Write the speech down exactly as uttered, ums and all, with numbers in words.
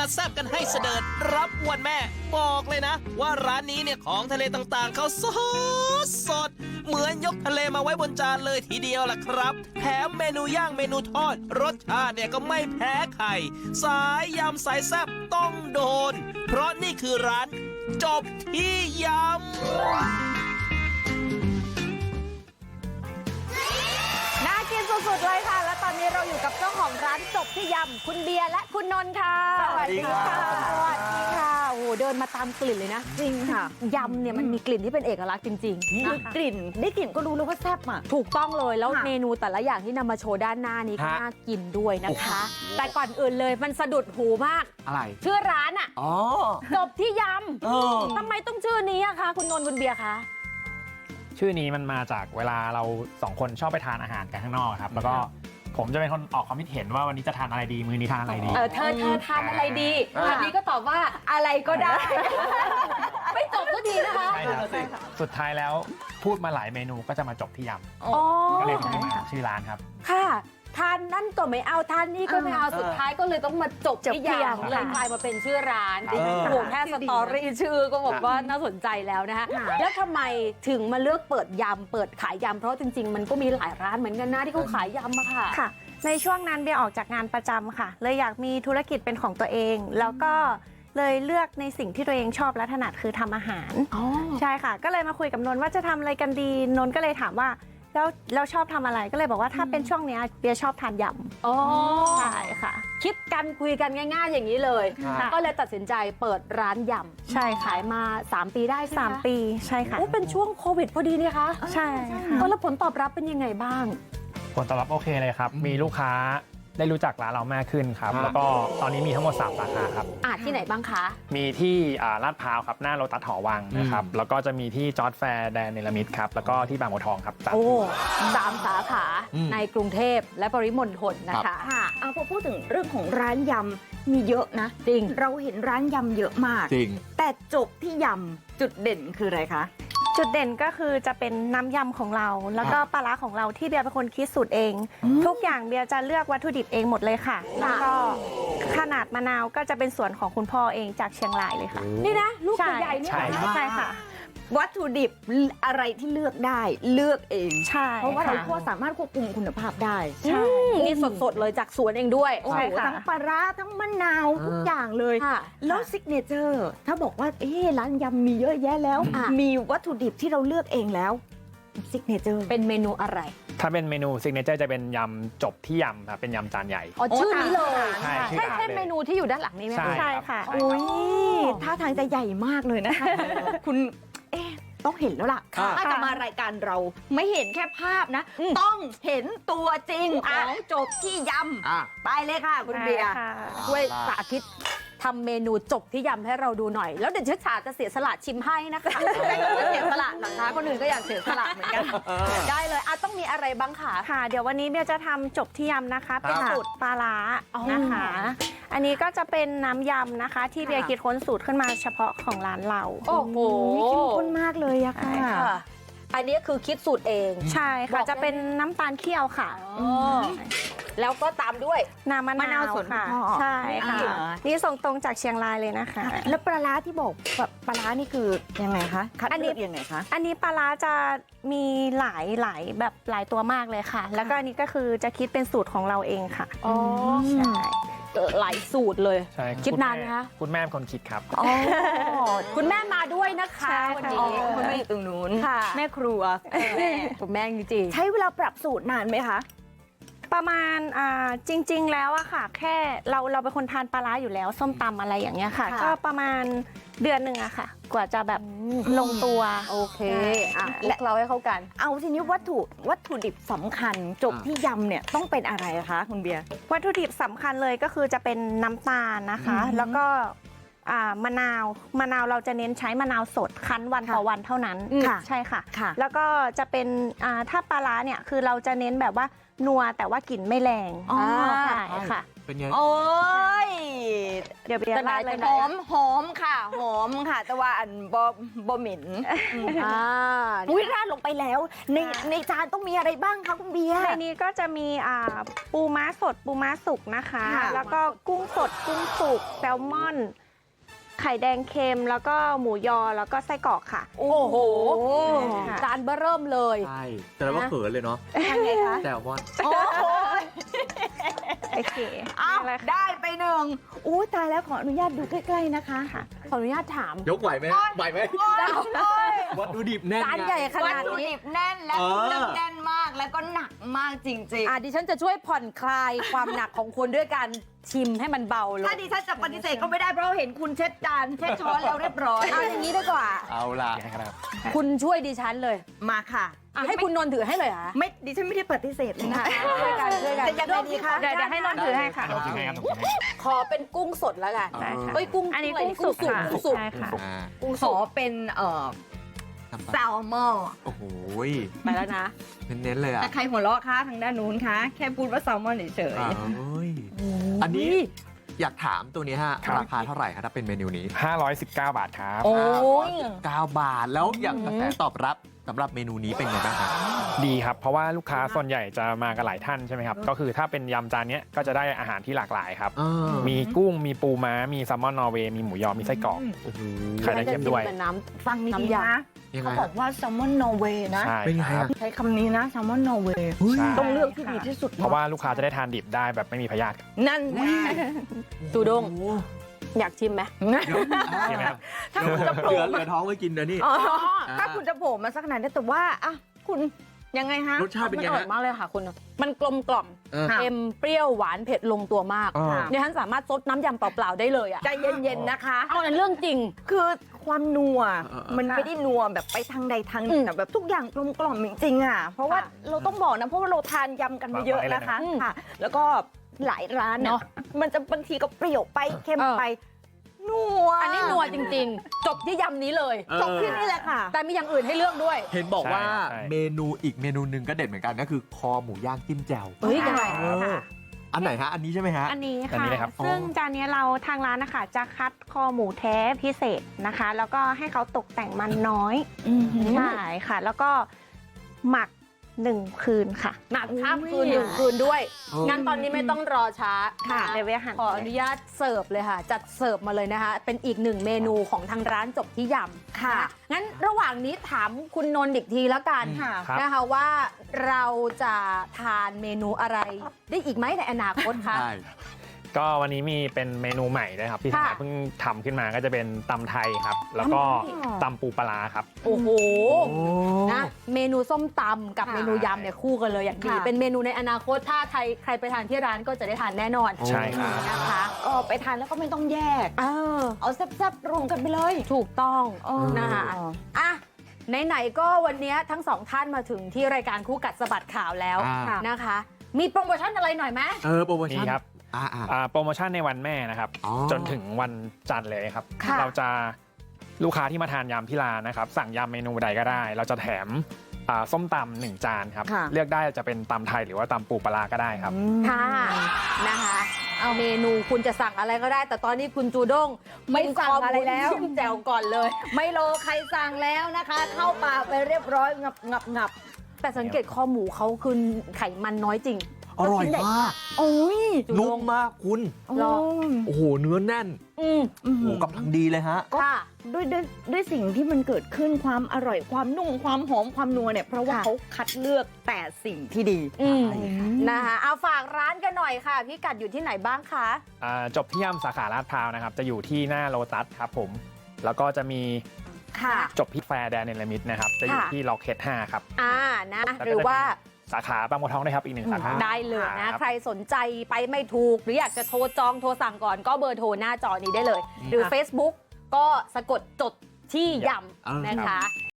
แซ่บกันให้เสดิร์ดรับวันแม่บอกเลยนะว่าร้านนี้เนี่ยของทะเลต่างๆเขาสดสดเหมือนยกทะเลมาไว้บนจานเลยทีเดียวล่ะครับแถมเมนูย่างเมนูทอดรสชาติเนี่ยก็ไม่แพ้ใครสายยำสายแซ่บต้องโดนเพราะนี่คือร้านจบที่ยำน่ากินสุดๆเลยค่ะและตอนนี้เราอยู่กับเจ้าของร้านจบที่ยำคุณเบียร์และคุณนนท์ค่ะสวัสดีค่ะสวัสดีค่ะโอ้โหเดินมาตามกลิ่นเลยนะจริงค่ะยำเนี่ยมันมีกลิ่นที่เป็นเอกลักษณ์จริงๆคือกลิ่นได้กลิ่นก็รู้เลยว่าแซ่บอ่ะถูกต้องเลยแล้วเมนูแต่ละอย่างที่นำมาโชว์ด้านหน้านี้ก็น่ากินด้วยนะคะแต่ก่อนอื่นเลยมันสะดุดหูมากอะไรชื่อร้านอ่ะจบที่ยำทำไมต้องชื่อนี้อะคะคุณนนท์คุณเบียร์คะชื่อนี้มันมาจากเวลาเราสองคนชอบไปทานอาหารกันข้างนอกครับแล้วก็ผมจะเป็นคนออกความคิดเห็นว่าวันนี้จะทานอะไรดีมื้อนี้ทานอะไรดีเออเธอเธอทานอะไรดีวันนี้ก็ตอบว่าอะไรก็ได้ไม่จบก็ดีนะคะสุดท้ายแล้วพูดมาหลายเมนูก็จะมาจบที่ยำก็เลยเป็นที่มาชื่อร้านครับค่ะทานนั่นก็ไม่เอาทานนี่ก็ไม่เอาสุดท้ายก็เลยต้องมาจบที่ยำเลยกลายมาเป็นชื่อร้านโอ้โหแค่สตอรี่ชื่อก็บอกว่าน่าสนใจแล้วนะคะแล้วทำไมถึงมาเลือกเปิดยำเปิดขายยำเพราะจริงๆมันก็มีหลายร้านเหมือนกันนะที่เขาขายยำอะค่ะค่ะในช่วงนั้นเบียร์ออกจากงานประจำค่ะเลยอยากมีธุรกิจเป็นของตัวเองแล้วก็เลยเลือกในสิ่งที่ตัวเองชอบและถนัดคือทำอาหารใช่ค่ะก็เลยมาคุยกับนนท์ว่าจะทำอะไรกันดีนนท์ก็เลยถามว่าแล้วเราชอบทำอะไรก็เลยบอกว่าถ้าเป็นช่วงนี้เบียร์ชอบทานยำอ๋อใช่ค่ะคิดกันคุยกันง่ายๆอย่างนี้เลยก็เลยตัดสินใจเปิดร้านยำใช่ขายมาสามปีได้สามปีใช่ค่ะโอ้เป็นช่วงโควิดพอดีนี่คะใช่ค่ะแล้วผลตอบรับเป็นยังไงบ้างผลตอบรับโอเคเลยครับมีลูกค้าได้รู้จักร้านเรามากขึ้นครับแล้วก็ตอนนี้มีทั้งหมดสามสาขาครับอ่าที่ไหนบ้างคะมีที่ลาดพร้าวครับหน้าโลตัสหอวังนะครับแล้วก็จะมีที่จอร์จแฟร์แดนเนลมิดครับแล้วก็ที่บางบัวทองครับโอ้สามสาขาในกรุงเทพและปริมณฑลนะคะค่ะเอาพอพูดถึงเรื่องของร้านยำมีเยอะนะจริงเราเห็นร้านยำเยอะมากจริงแต่จบที่ยำจุดเด่นคืออะไรคะจุดเด่นก็คือจะเป็นน้ำยำของเราแล้วก็ปลาร้าของเราที่เบียร์เป็นคนคิดสูตรเองทุกอย่างเบียร์จะเลือกวัตถุดิบเองหมดเลยค่ะแล้วก็ขนาดมะนาวก็จะเป็นส่วนของคุณพ่อเองจากเชียงรายเลยค่ะนี่นะลูกใหญ่เนี่ยใช่ค่ะวัตถุดิบอะไรที่เลือกได้เลือกเองใช่เพราะว่าเราก็สามารถควบคุมคุณภาพได้ใช่นี่สดๆเลยจากสวนเองด้วยโอ้โหทั้งปลาร้าทั้งมะนาวทุกอย่างเลยแล้วซิกเนเจอร์ถ้าบอกว่าเอ๊ะร้านยำมีเยอะแยะแล้วมีวัตถุดิบที่เราเลือกเองแล้วซิกเนเจอร์เป็นเมนูอะไรถ้าเป็นเมนูซิกเนเจอร์จะเป็นยำจบที่ยำครับเป็นยำจานใหญ่อ๋อชื่อนี้เลยใช่ใช่ใช่เมนูที่อยู่ด้านหลังนี้ไหมใช่ค่ะอุ้ยท่าทางจะใหญ่มากเลยนะคะคุณเอ๊ะต้องเห็นแล้วล่ะถ้าจะมารายการเราไม่เห็นแค่ภาพนะต้องเห็นตัวจริงของจบที่ยำไปเลยค่ะคุณเบียร์ช่วยสาธิตทำเมนูจบที่ยำให้เราดูหน่อยแล้วเดี๋ยวเชฟฉาจะเสียสละชิมให้นะคะเสียสละนะคะคนอื่นก็อยากเสียสละเหมือนกันได้เลยอ่ะต้องมีอะไรบ้างคะค่ะเดี๋ยววันนี้เบียร์จะทำจบที่ยำนะคะเป็นสูตรปลาร้านะคะอันนี้ก็จะเป็นน้ำยำนะคะที่เบียร์คิดค้นสูตรขึ้นมาเฉพาะของร้านเราโอ้โหเข้มข้นมากเลยอะค่ะอันนี้คือคิดสูตรเองใช่ค่ะจะเป็นน้ำตาลเคี่ยวค่ะแล้วก็ตามด้วยน้ำมะนาวค่ะใช่ค่ะนี่ส่งตรงจากเชียงรายเลยนะคะแล้วปลาร้าที่บอกปลาร้านี่คือยังไงคะคัดเลือกยังไงคะอันนี้ปลาร้าจะมีหลายหลายแบบหลายตัวมากเลยค่ะแล้วก็อันนี้ก็คือจะคิดเป็นสูตรของเราเองค่ะอ๋อใช่หลายสูตรเลยใช่คิดนานนะคะคุณแม่เป็นคนคิดครับอ๋อคุณแม่มาด้วยนะคะวันนี้คุณแม่อยู่ตรงนู้นแม่ครัวคุณแม่จริงใช้เวลาปรับสูตรนานไหมคะประมาณอ่าจริงๆแล้วอะค่ะแค่เราเราเป็นคนทานปลาร้าอยู่แล้วส้มตำอะไรอย่างเงี้ยค่ะก็ประมาณเดือนหนึ่งอะค่ะกว่าจะแบบลงตัวโอเคอ่ะและเราให้เข้ากันเอาทีนี้วัตถุวัตถุดิบสำคัญจบที่ยำเนี่ยต้องเป็นอะไรคะคุณเบียร์วัตถุดิบสำคัญเลยก็คือจะเป็นน้ำตาลนะคะแล้วก็อ่ามะนาวมะนาวเราจะเน้นใช้มะนาวสดคั้นวันต่อวันเท่านั้นค่ะใช่ค่ะค่ะแล้วก็จะเป็นอ่าถ้าปลาร้าเนี่ยคือเราจะเน้นแบบว่านัวแต่ว่ากลิ่นไม่แรงอ๋อใช่ค่ะเป็นไงโอ้ยเดี๋ยวเบียร์ราดเลยหนะอมหอมค่ะ หอมค่ะ แต่ว่าอันบอบเหม็นอ่าอุ้ยราดลงไปแล้ว ในในจานต้องมีอะไรบ้างคะคุณเบียร์ในนี้ก็จะมีอ่าปูม้าสดปูม้าสุกนะคะค่ะแล้วก็กุ้งสดกุ้งสุกแซลมอน ไข่แดงเค็มแล้วก็หมูยอแล้วก็ไส้กรอกค่ะโอ้โหค่ะจานเบอร์เริ่มเลยใช่แต่เราก็เขินเลยเนาะยังไงคะแต่ว่าโอ้โหโอเคอ้าวนี่แหละค่ะได้ไปหนึ่งอู้ตายแล้วขออนุญาตดูใกล้ๆนะคะขออนุญาตถามยกไหวไหมไหวไหมโอ้ยวัตถุดิบแน่นจานไงใหญ่ขวันาตดถุนี้ดิบแน่นและเออเครื่องแน่นมากแล้วก็หนักมากจริงอ่ะดิฉันจะช่วยผ่อนคลายความหนักของคุณด้วยการชิมให้มันเบาลๆงถ้าดิฉันจะปฏิเสธก็ไม่ได้เพราะเราเห็นคุณเช็ดจานเช็ดช้อนแล้วเรียบร้อยเอาอย่างนี้ดีกว่าเอาล่ะให้ครับคุณช่วยดิฉันเลยมาค่ะอ่ะให้คุณนนท์ถือให้เลยเหรอไม่ดิฉันไม่ได้ปฏิเสธเลยนะช่วยกันช่วยกันจะยังไงดีคะเดี๋ยวเดี๋ยวให้นนท์ถือให้ค่ะผมถือให้ครับผมถือให้ขอเป็นกุ้งสดแล้วกันได้ค่ะเอ้ยกุ้งอันนี้ะไรกุ้งสุกค่ะกุ้งสุกใช่ค่ะอ่ากุ้งขสุอก เป็นเอ่อแซลมอนโอ้โหไปแล้วนะเน้นๆเลยอ่ะแต่ใครหัวเราะคะทางด้านนู้นคะแค่พูดว่าแซลมอนเฉยอ้าวเฮ้ยอันนี้อยากถามตัวนี้ฮะ ราคาเท่าไหร่ครับถ้าเป็นเมนูนี้ห้าร้อยสิบเก้าบาทครับๆโอ้ยเก้าบาทแล้วอย่างกระแสตอบรับสำหรับเมนูนี้เป็นไงบ้างครับดีครับ เพราะว่าลูกค้าส่วนใหญ่จะมากันหลายท่านใช่ไหมครับ ก็คือถ้าเป็นยำจานเนี้ยก็จะได้อาหารที่หลากหลายครับ มีกุ้ง มีปูม้า มีแซลมอนนอร์เวย์ มีหมูยอ มีไส้กรอกโอ้โหไข่แดงเค็มด้วยเป็นน้ฟังดีน้ำๆยำนะยังไงเขาบอกว่าแซลมอนนอร์เวย์นะใช่เป็นไงคครัรับ บใช้คำนี้นะแซลมอนนอร์เวย์ใช่ต้องเลือกที่ดีที่สุดเพราะว่าลูกค้าจะได้ทานดิบได้แบบไม่มีพยาธิครับนั่นไงจูด้ง อยากชิมไหมใช่ไหมครับถ้าคุณจะโผเหลืล่อเหลือท้องไว้กินนะนี่อ๋อถ้าคุณจะโผล่มาสักขนาดนี้แต่ว่าอ่ะคุณยังไงฮะรสชาติเป็นมันไงอร่อฮะยมากเลยค่ะคุณ มันกลมกล่อมเออค่ะเค็มเปรี้ยวหวานเผ็ดลงตัวมากอ่าดิฉันสามารถซดน้ำยำเปล่าๆได้เลยอ่ะใจเย็นๆนะคะเอาในเรื่องจริงคือความนัวเออเออมันไม่ได้นัวแบบไปทางใดทางหนึ่งอืมอะแบบทุกอย่างกลมกล่อมจริงๆอ่ะเพราะว่าค่ะเราต้องบอกนะเพราะว่าเราทานยำกันมาเยอะนะคะอืมค่ะ แล้วก็หลายร้านเนาะเนาะมันจะบางทีก็เปรี้ยวไปเค็มเออไปนัวอันนี้นัวจริงๆ จบที่ยำนี้เลยเออจบที่นี่แหละค่ะแต่มีอย่างอื่นให้เลือกด้วยเห็นบอกว่าใช่เมนูอีกเมนูหนึ่งก็เด็ดเหมือนกันก็คือคอหมูย่างจิ้มแจ่วเฮ้ยยังไงเอออันไหนฮะ อันนี้ใช่ไหมฮะอันนี้อันค่ะนี้เลยครับซึ่งจานนี้เราทางร้านนะคะจะคัดคอหมูแท้พิเศษนะคะ แล้วก็ให้เขาตกแต่งมันน้อยใช่ค่ะ แล้วก็หมักหนึ่งคืนค่ะหนักข้ามคืนหนึ่งคืนด้วยเอองั้นตอนนี้ไม่ต้องรอช้าค่ะนเดี๋ยวเวียหันขออนุญาตเสิร์ฟเลยค่ะ จัดเสิร์ฟมาเลยนะคะ เป็นอีกหนึ่งเมนูของทางร้านจบที่ยำค่ะนงั้นระหว่างนี้ถามคุณนนท์อีกทีแล้วกันค่ะครับนะคะว่าเราจะทานเมนูอะไรได้อีกไหมในอนาคตคะใช่ก็วันนี้มีเป็นเมนูใหม่ด้วยครับที่ทางค่ะร้านเพิ่งทำขึ้นมาก็จะเป็นตำไทยครับ แล้วก็อ๋อตำปูปลาร้าครับโอ้โหโอ้นะเมนูส้มตำกับค่ะเมนูยำเนี่ยคู่กันเลยอย่างดีค่ะเป็นเมนูในอนาคตถ้าใครใครไปทานที่ร้านก็จะได้ทานแน่นอนใช่ครับนะคะก็ไปทานแล้วก็ไม่ต้องแยกเออเอาแซ่บๆรวมกันไปเลยถูกต้องเออนะคะอ่ะไหนๆก็วันนี้ทั้งสองท่านมาถึงที่รายการคู่กัดสะบัดข่าวแล้วอ่านะคะ มีโปรโมชั่นอะไรหน่อยไหมเออโปรโมชั่นนี่ครับอ่าอ่าอ่าโปรโมชั่นในวันแม่นะครับอ๋อจนถึงวันจันทร์เลยครับค่ะเราจะลูกค้าที่มาทานยำที่ร้านนะครับ สั่งยำเมนูใดก็ได้ เราจะแถมอ่าส้มตำหนึ่งจานครับค่ะเลือกได้จะเป็นตำไทยหรือว่าตำปูปลาร้าก็ได้ครับค่ะนะคะเอาเมนูคุณจะสั่งอะไรก็ได้ แต่ตอนนี้คุณจูด้งไม่สั่งอะไรแล้วจิ้มแจ่วก่อนเลยไม่รอใครสั่งแล้วนะคะ เข้าปากไปเรียบร้อยงับงับงับแต่สังเกตคอหมูเขาคือไขมันน้อยจริงอร่อยมากโอ้ยจูด้นุ่งมมากคุณหรอโอ้โห เนื้อแน่นอืมโอ้โหกำลังดีเลยฮะค่ะด้วยด้วยด้วยสิ่งที่มันเกิดขึ้นความอร่อยความนุ่มความหอมความนัวเนี่ยเพราะว่าค่ะเขาคัดเลือกแต่สิ่งที่ดีอืมใช่นะคะเอาฝากร้านกันหน่อยค่ะ พี่กัดอยู่ที่ไหนบ้างคะอ่าจบที่ยำสาขาลาดพร้าวนะครับ จะอยู่ที่หน้าโลตัสครับผม แล้วก็จะมีค่ะจบที่แฟร์แดนเนลมิดนะครับ จะอยู่ค่ะที่ล็อกเฮดห้าครับอ่านะแล้วก็หรือว่าสาขาบางบัวทองด้วยครับอีกหนึ่งสาขาได้เลยนะครับใครสนใจไปไม่ถูก หรืออยากจะโทรจองโทรสั่งก่อนก็เบอร์โทรหน้าจอนี้ได้เลย หรือ Facebook ก็สะกดจดที่ยเออำนะคะ